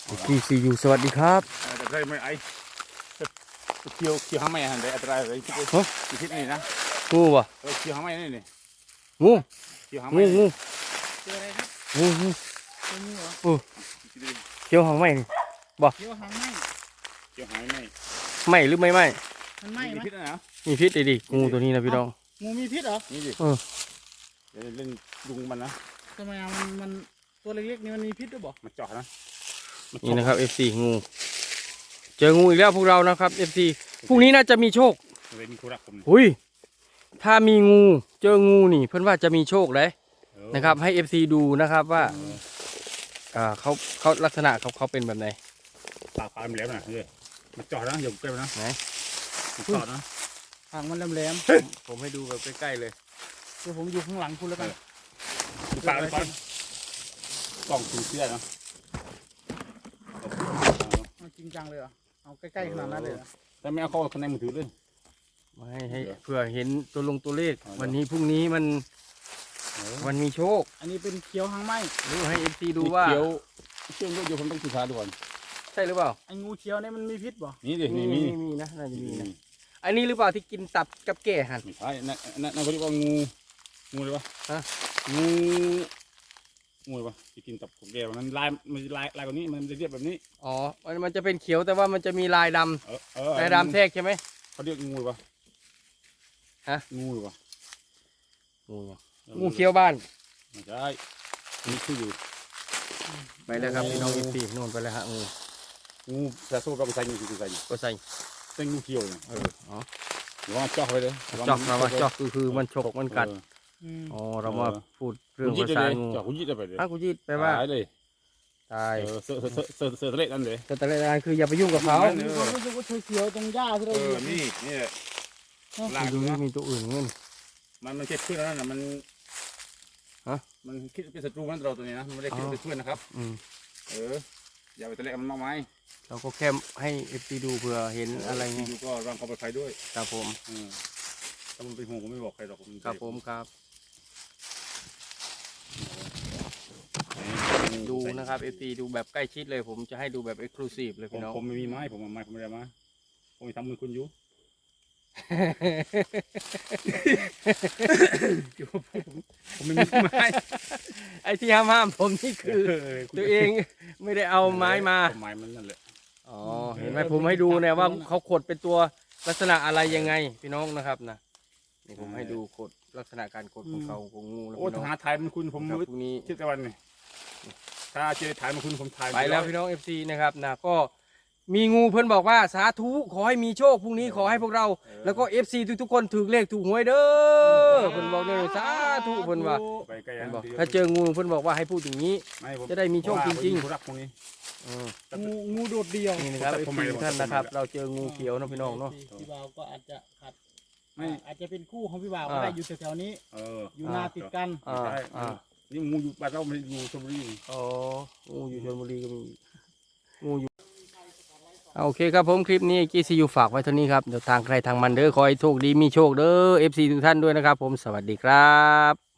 GCU สวัสดีครับแต่ได้ไม่ไอเคียวห้าไม่หันได้อัตราอะไรที่ที่นี่นะงูวะเคียวห้าไม่นี่นี่งูเคียวห้าไม่งูเจออะไรครับงูเจองูเหรอเขียวหางไหมบ่เขียวหางไหมเคียวห้าไม่ไหมหรือไม่ไหมมันไหมไหมมีพิษนะมีพิษดิงูตัวนี้นะพี่น้องงูมีพิษเหรอนี่ดิเดี๋ยวเล่นยุงมันนะทำไมมันตัวเล็กๆนี่มันมีพิษด้วยบ่มันเจาะนะนี่นะครับ FC งูเจองูอีกแล้วพวกเรานะครับ FC พรุ่งนี้น่าจะมีโชคเลยมีคู่รักผมอุ้ยถ้ามีงูเจองูนี่เพื่อนว่าจะมีโชคเลยนะครับให้ FC ดูนะครับว่าเขาลักษณะเขาเป็นแบบไหนปากมันแหลมนะเลยมันเจาะนะอย่าใกล้นะไหนมันเจาะนะหางมันแหลมๆผมให้ดูแบบใกล้ๆเลยเดี๋ยวผมอยู่ข้างหลังคุณแล้วกันดูปากเลยก่อนกล่องสีเสื้อนะจริงจังเลยเหรอเอาใกล้ๆขนาดนั้นเลยเหรอแต่ไม่เอาเข้าข้างในมือถือเลยไม่ให้เพื่อเห็นตัวเลขวันนี้พรุ่งนี้มันมีโชคอันนี้เป็นเขียวหางไหมดูให้ FC ดูว่าเขียวอยู่ผมต้องศึกษาดูก่อนใช่หรือเปล่าไอ้งูเขียวเนี่ยมันมีพิษบ่นี่ดิมีนะน่าจะมีนะอันนี้หรือเปล่าที่กินตับกับแก่หันไม่ใช่นั่นเขาเรียกว่างูเลยวะฮะงูเลยวะที่กินตับกับแก่นั้นลายกว่านี้มันจะเรียบแบบนี้อ๋อมันจะเป็นเขียวแต่ว่ามันจะมีลายดำลายดำแทรกใช่ไหมเขาเรียกงูเลยวะฮะงูเลยวะงูเขียวบ้านไม่ใช่นี่คืออยู่ไปแล้วครับพี่น้องFCนู่นไปแล้วฮะงูแต่สู้เราไปใส่งูคือใส่ก็ใส่เป็นงูเขียวเนี่ยอ๋อหรือว่าเจาะไปเลยเจาะเราว่าเจาะคือมันฉกมันกัดอ๋อเรามาพูดเรื่องภาษางูเจาะกุญจิตไปเลยกุญจิตไปว่าตายเลยตายเสือทะเลนั่นเลยเสือทะเลนั่นคืออย่าไปยุ่งกับเขารู้สึกว่าเขียวตรงหญ้าที่เราอยู่นี่ลากดูมีตัวอื่นเงี้ยมันคิดขึ้นแล้วนะมันคิดเป็นศัตรูมันเราตัวนี้นะมันไม่ได้คิดเป็นเพื่อนนะครับอย่าไปทะเลมันมากมายเราก็แค่ให้ FC ดูเผื่อเห็นอะไรไงดูก็วางความปลอดภัยด้วยครับผมถ้ามันเป็นห่วงผมไม่บอกใครหรอกครับผมครับดูนะครับ FC ดูแบบใกล้ชิดเลยผมจะให้ดูแบบ Exclusive เลยพี่น้องผมไม่มีไม้ผมไม่ได้มาผมทำมือคุณอยู่ผมไม่มีไม้ไอ้ที่ห้ามผมนี่คือตัวเองไม่ได้เอาไม้มาไม้มันนั่นแหละอ๋อเห็นไหมผมให้ดูเนี่ยว่าเขาขดเป็นตัวลักษณะอะไรยังไงพี่น้องนะครับนะนี่ผมให้ดูขดลักษณะการขดของเขาของงูแล้วโอ้หาถ่ายมันคุณผมพรุ่งนี้ชื่อตะวันนี่ถ้าเจอถ่ายมันคุณผมถ่ายไปแล้วพี่น้อง FC นะครับนะก็มีงูเพื่อนบอกว่าสาธุขอให้มีโชคพรุ่งนี้ขอให้พวกเราแล้วก็ FC ทุกคนถูกเลขถูกหวยเด้อเพื่อนบอกเนี่ยสาธุเพื่อนว่าถ้าเจองูเพื่อนบอกว่าให้พูดอย่างนี้จะได้มีโชคจริงๆงูโดดเดี่ยวนี่นะครับ FC ท่านนะครับเราเจองูเขียวนะพี่น้องเนาะพี่บ่าวก็อาจจะขัดอาจจะเป็นคู่ของพี่บ่าวก็ได้อยู่แถวๆนี้อยู่นาติดกันนี่งูอยู่บ้านเราไม่อยู่ชลบุรีอ๋องูอยู่ชลบุรีก็มีงูอยู่โอเคครับผมคลิปนี้GCUฝากไว้เท่านี้ครับเดี๋ยวทางใครทางมันเด้อขอให้โชคดีมีโชคเด้อ FC ทุกท่านด้วยนะครับผมสวัสดีครับ